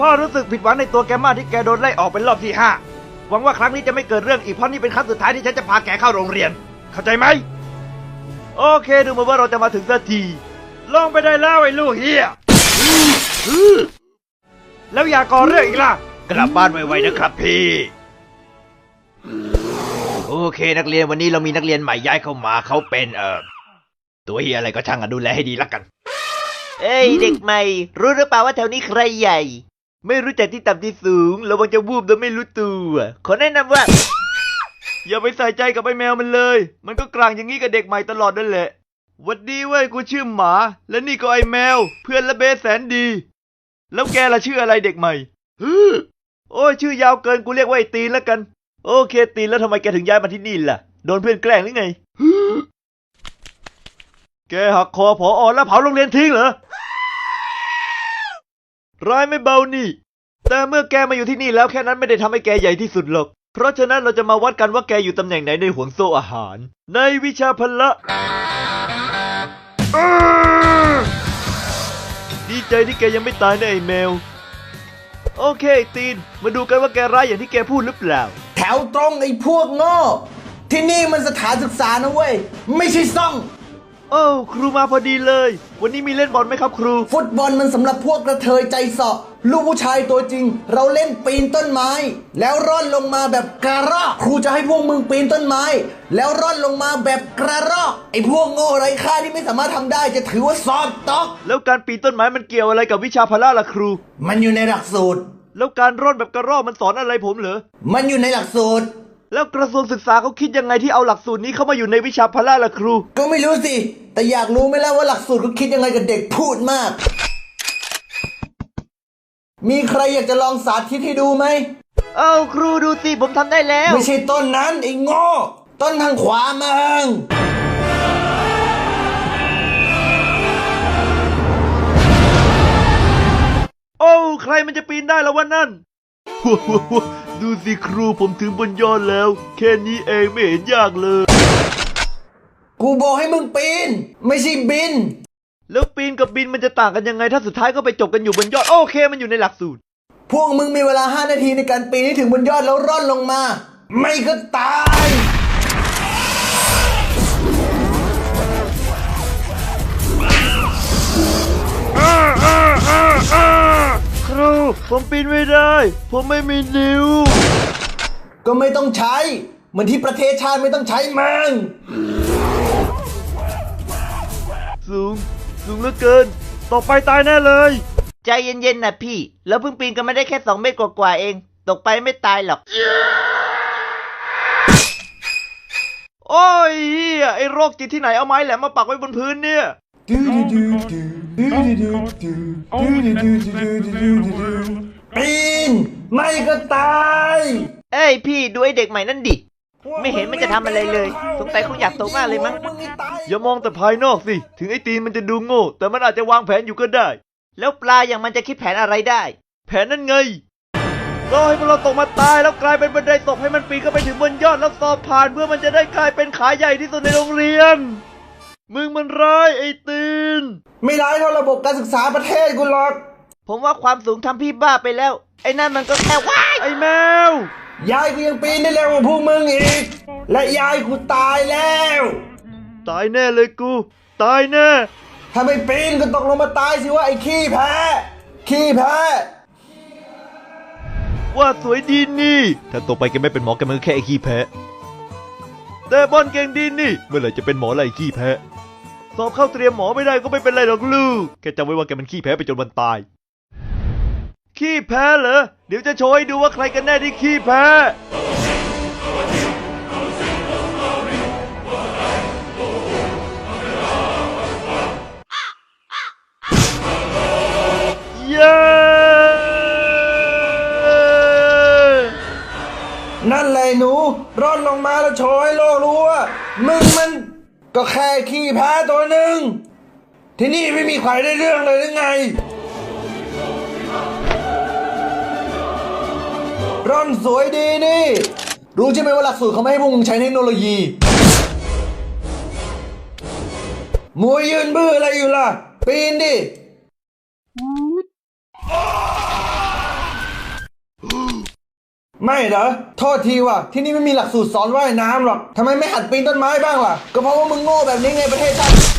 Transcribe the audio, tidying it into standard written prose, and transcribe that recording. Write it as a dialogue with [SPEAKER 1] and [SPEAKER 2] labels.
[SPEAKER 1] พ่อรู้สึกผิดหวังในตัวแกมากที่แกโดนไล่ออกเป็นรอบที่5หวังว่าครั้งนี้จะไม่เกิดเรื่องอีกเพราะนี่เป็นครั้งสุดท้ายที่ฉันจะพาแกเข้าโรงเรียนเข้าใจไหมโอเคดูเหมือนว่าเราจะมาถึงสักทีลงไปได้แล้วไอ้ลูกเฮียแล้วอย่าก่อเรื่องอีกล่ะกลับบ้านไวๆนะครับพี่โอเคนักเรียนวันนี้เรามีนักเรียนใหม่ย้ายเข้ามาเขาเป็นตัวเฮียอะไรก็ช่างดูแลให้ดีละกันเอ้ยเด็กใหม่รู้หรือเปล่าว่าแถวนี้ใครใหญ่ไม่รู้จักที่ต่ำที่สูงระวังจะวูบโดยไม่รู้ตัวขอแนะนำว่าอย่าไปใส่ใจกับไอ้แมวมันเลยมันก็กลางอย่างนี้กับเด็กใหม่ตลอดนั่นแหละหวัดดีเว้ยกูชื่อหมาและนี่ก็ไอ้แมวเพื่อนละเบสแสนดีแล้วแกล่ะชื่ออะไรเด็กใหม่โอ้ยชื่อยาวเกินกูเรียกว่าไอ้ตีนแล้วกันโอเคตีนแล้วทำไมแกถึงย้ายมาที่นี่ล่ะโดนเพื่อนแกล้งหรือไงแกหักคอผอ.แล้วเผาโรงเรียนทิ้งเหรอร้ายไม่เบานี่แต่เมื่อแกมาอยู่ที่นี่แล้วแค่นั้นไม่ได้ทำให้แกใหญ่ที่สุดหรอกเพราะฉะนั้นเราจะมาวัดกันว่าแกอยู่ตำแหน่งไหนในห่วงโซ่อาหารในวิชาพละดีใจที่แกยังไม่ตายนะไอ้แมวโอเคตีนมาดูกันว่าแกร้ายอย่างที่แกพูดหรือเปล่า
[SPEAKER 2] แถวตรงไอ้พวกโง่ที่นี่มันสถานศึกษานะเว้ยไม่ใช่ซ่อง
[SPEAKER 1] โอ้ครูมาพอดีเลยวันนี้มีเล่นบอลไหมครับครู
[SPEAKER 2] ฟุตบอลมันสำหรับพวกกระเทยใจเสาะลูกผู้ชายตัวจริงเราเล่นปีนต้นไม้แล้วร่อนลงมาแบบกระรอกครูจะให้พวกมึงปีนต้นไม้แล้วร่อนลงมาแบบกระรอกไอ้พวกโง่ไร้ค่าที่ไม่สามารถทำได้จะถือว่าสอบตก
[SPEAKER 1] แล้วการปีนต้นไม้มันเกี่ยวอะไรกับวิชาพละล่ะครู
[SPEAKER 2] มันอยู่ในหลักสูตร
[SPEAKER 1] แล้วการร่อนแบบกระรอกมันสอนอะไรผมเหรอ
[SPEAKER 2] มันอยู่ในหลักสูตร
[SPEAKER 1] แล้วกระทรวงศึกษาเขาคิดยังไงที่เอาหลักสูตรนี้เข้ามาอยู่ในวิชาพละล่ะครู
[SPEAKER 2] ก็ไม่รู้สิแต่อยากรู้ไหมล่ะว่าหลักสูตรเขาคิดยังไงกับเด็กพูดมากมีใครอยากจะลองสาธิตให้ดูไหม
[SPEAKER 1] เอาครูดูสิผมทำได้แล้ว
[SPEAKER 2] ไม่ใช่ต้นนั้นไอ้โง่ต้นทางขวามึง
[SPEAKER 1] โอ้ใครมันจะปีนได้แล้ววะนั่นดูสิครูผมถึงบนยอดแล้วแค่นี้เองไม่เห็นยากเลย
[SPEAKER 2] กูบอกให้มึงปีนไม่ใช่บิน
[SPEAKER 1] แล้วปีนกับบินมันจะต่างกันยังไงถ้าสุดท้ายก็ไปจบกันอยู่บนยอดโอเคมันอยู่ในหลักสูตร
[SPEAKER 2] พวกมึงมีเวลา5 นาทีในการปีนให้ถึงบนยอดแล้วร่อนลงมาไม่ก็ตาย
[SPEAKER 1] ครูผมปีนไม่ได้ผมไม่มีนิ้ว
[SPEAKER 2] ก็ไม่ต้องใช้เหมือนที่ประเทศชาติไม่ต้องใช้มึง
[SPEAKER 1] สูงเหลือเกินต่อไปตายแน่เลยใจเย็นๆนะพี่แล้วเพิ่งปีนกันไม่ได้แค่2 เมตรกว่าๆเองตกไปไม่ตายหรอกโอ้ยไอ้โรคจิตที่ไหนเอาไม้แหลมมาปักไว้บนพื้นเนี่ย
[SPEAKER 2] ปีนไม่ก็ตาย
[SPEAKER 1] เอ้ยพี่ดูไอ้เด็กใหม่นั่นดิไม่เห็นมันจะทำอะไรเลยสงสัยคงอยากโตมากเลยมั้งอย่ามองแต่ภายนอกสิถึงไอ้ตีนมันจะดูโง่แต่มันอาจจะวางแผนอยู่ก็ได้แล้วปลาอย่างมันจะคิดแผนอะไรได้แผนนั่นไงรอให้พวกเราตกมาตายแล้วกลายเป็นบันไดตกให้มันปีนขึ้นไปถึงบนยอดแล้วสอบผ่านเพื่อมันจะได้กลายเป็นขาใหญ่ที่สุดในโรงเรียนมึงมันร้ายไอ้ตีน
[SPEAKER 2] ไม่ร้ายเท่าระบบการศึกษาประเทศกูหรอก
[SPEAKER 1] ผมว่าความสูงทำพี่บ้าไปแล้วไอ้นั่นมันก็แค่ว้ายไอ้แม
[SPEAKER 2] วยายกูยังปีนได้เร็วกว่าพวกมึงอีกและยายกูตายแล้ว
[SPEAKER 1] ตายแน่เลยกูตายแน่
[SPEAKER 2] ถ้าไม่ปีนก็ตกลงมาตายสิว่าไอ้ขี้แพ้
[SPEAKER 1] ว่าสวยดีนี่ถ้าตกไปแกไม่เป็นหมอแกมันแค่ไอ้ขี้แพ้แต่บอลเก่งดีนี่เมื่อไหร่จะเป็นหมอไรขี้แพ้สอบเข้าเตรียมหมอไม่ได้ก็ไม่เป็นไรหรอกลูกแกจำไว้ว่าแกมันขี้แพ้ไปจนวันตายขี้แพ้เหรอเดี๋ยวจะโชว์ให้ดูว่าใครกันแน่ที่ขี้แพ้เย้
[SPEAKER 2] นั่นแหละหนูร่อนลงมาแล้วโชว์ให้โลกรู้ว่ามึงมันก็แค่ขี้แพ้ตัวหนึ่งที่นี่ไม่มีใครได้เรื่องเลยหรือไงร่อนสวยดีนี่รู้ใช่ไหมว่าหลักสูตรเขาไม่ให้พวกมึงใช้เทคโนโลยีมวยยืนบื้ออะไรอยู่ล่ะปีนดิไม่เหรอ โทษทีว่ะ ที่นี่ไม่มีหลักสูตรสอนว่ายน้ำหรอกทำไมไม่หัดปีนต้นไม้บ้างล่ะ ก็เพราะว่ามึงโง่แบบนี้ไงประเทศชาติ